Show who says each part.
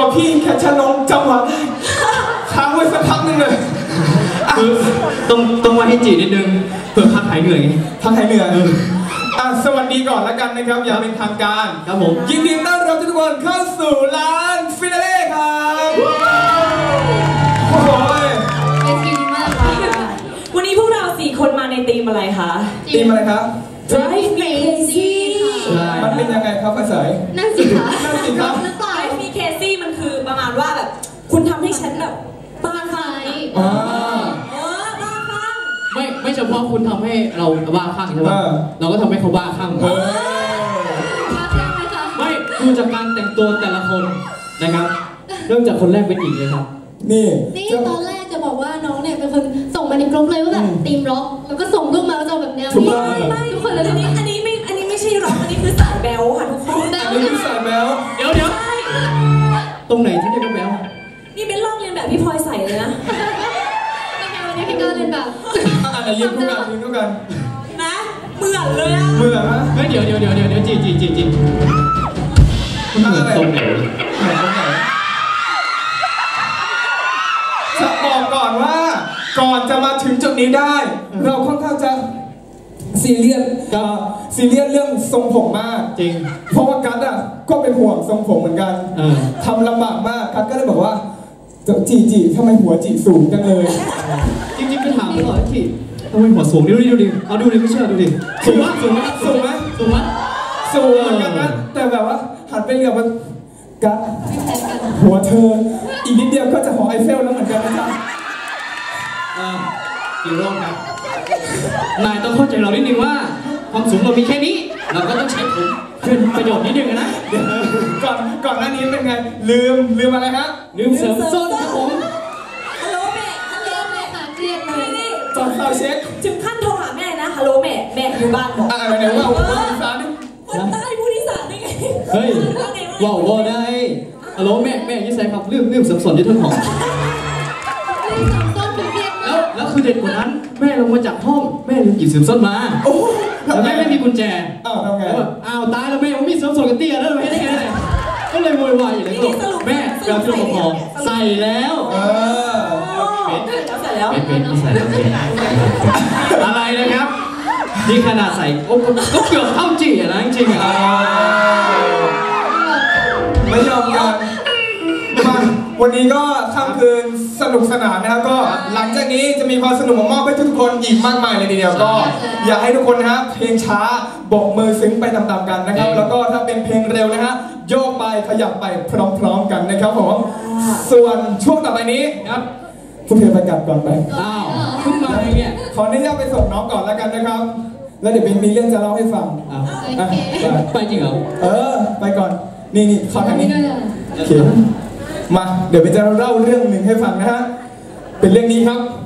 Speaker 1: พี่แค่ฉันลงจังหวะได้ค้างไว้สักพักนึงเลย
Speaker 2: คือต้องมาให้จีนิดนึงเพื่อพักหายเหนื่อยไง
Speaker 1: พักหายเหนื่อยสวัสดีก่อนแล้วกันนะครับอย่างเป็นทางการ
Speaker 2: ครับผม
Speaker 1: ยินดีต้อนรับทุกคนเข้าสู่ร้านฟินาเล่ครับโอ้ย
Speaker 3: เป็นดีมากค่ะ
Speaker 4: วันนี้พวกเรา4 คนมาในธีมอะไรคะ
Speaker 1: ธีมอะไรครับ
Speaker 3: Drive Me Crazy
Speaker 1: มันเป็นยังไงครับอาศัย
Speaker 3: นั่นสิคะ
Speaker 1: นั่นสิครับ
Speaker 4: Drive Me Crazy มันคือประมาณว่าแบบคุณทำให้ฉันแบบบ้าคลั่งบ้าคลั่ง
Speaker 2: ไม่เฉพาะคุณทำให้เราบ้าคลั่งใช่ไหมเราก็ทำให้เขาบ้าคลั่งไม่ดูจากการแต่งตัวแต่ละคนนะครับเริ่มจากคนแรกเป็นหญิงเลยครับ
Speaker 3: นี่ตอนแรกจะบอกว่าน้องเนี่ยเป็นคนส่งมาในกลุ่มเลยว่าแบบทีมร็อกแล้วก็ส่งรูปมาว่าจะแบบแนวนี้
Speaker 4: ไม่ทุกคนเลยอันนี้ไม่ใช่ร็อกอันนี้คือสายแบลค่ะทุกคน
Speaker 1: อันนี้คือสายแบล
Speaker 2: เดี๋ยวตรงไหนที่เป็นแบล
Speaker 4: นี่เป็นลอกเรียนแบบพี่พลอยใส่เลยนะ
Speaker 3: วันนี้พี่ก็เรียนแบบ
Speaker 1: ยืนคู่กัน
Speaker 4: นะเหมือนเลยอะ
Speaker 1: เหมือนนะ
Speaker 2: เดี๋ยวจี
Speaker 1: คุณทำอะไรตรงไหนจะบอกก่อนว่าก่อนจะมาถึงจุดนี้ได้เราค่อนข้างจะซีเรียสเรื่องทรงผมมาก
Speaker 2: จริง
Speaker 1: เพราะว่ากัสก็เป็นห่วงทรงผมเหมือนกันทำลำบากมากกัสก็เลยบอกว่าจีทำไมหัวจีสูงจังเลย
Speaker 2: จริงก็ถามก่อนจีทำไมหัวสูงดูดิเอาดูดิไม่เชื่อดูดิสูงมาก
Speaker 1: สูงเหมือนกันนะแต่แบบว่าหันไปเหลือบมันกัสหัวเธออีกนิดเดียวก็จะหอไอเฟลแล้วเหมือนกันนะจ๊ะ
Speaker 2: กี่โรคครับนายต้องเข้าใจเรานิดนึงว่าความสูงเรามีแค่นี้เราก็ต้องใช้ผมเป็นประโยชน์นิดนึงนะ
Speaker 1: ก่อนหน้านี้เป็นไงลืมอะไรฮะ
Speaker 2: ลืมเสริมส้นครับผม
Speaker 4: ฮัลโหลแม่ค่ะเครียดเลย
Speaker 1: ตอนเราเช็ค
Speaker 4: ถึงขั้นโทรหาแม่นะฮัลโหลแม่อยู่บ้านบอก
Speaker 1: อะไรว่าคนอีสาน
Speaker 4: คนใต้พูดอีสานได้ไง
Speaker 2: เฮ้ยว่าได้ฮัลโหลแม่ยิ่งใส่ครับลืมเสริมส้นที่ต้นหอมแล้วคือเด็ดกว่านั้นแม่ลงมาจากห้องแม่ลืมหยิบเสริมส้นมาแล้วแม่ไม่มีกุญแจ
Speaker 1: ทำไง
Speaker 2: ตายแล้วแม่ผมมีเสริมส้นกันเตี้ยแล้วไม่ได้ไงก็เลยโวยวายอยู่เลยก็แม่เราที่เราพอใส่แล้วเป็นใส่แล้วอะไรนะครับนี่ขนาดใส่ก็เกือบเท่าจีนะจริง
Speaker 1: ไม่ยอมกันวันนี้ก็ค่ำคืนสนุกสนานนะครับก็หลังจากนี้จะมีความสนุกมามอบให้ทุกคนอีกมากมายเลยทีเดียวก็อยากให้ทุกคนนะฮะเพลงช้าโบกมือซึ้งไปตามๆกันนะครับแล้วก็ถ้าเป็นเพลงเร็วนะฮะโยกไปขยับไปพร้อมๆกันนะครับผมส่วนช่วงต่อไปนี้ครับคุณเธอไปกลับก่อนไป
Speaker 2: ขึ้นมาเนี่ย
Speaker 1: ขออนุญาตไปส่งน้องก่อนแล้วกันนะครับแล้วเดี๋ยวมีเรื่องจะเล่าให้ฟัง
Speaker 2: ไปจริงเหรอ
Speaker 1: ไปก่อนนี่ขอทางนี้โอเคมาเดี๋ยวไปจะเล่าเรื่องหนึ่งให้ฟังนะฮะเป็นเรื่องนี้ครับ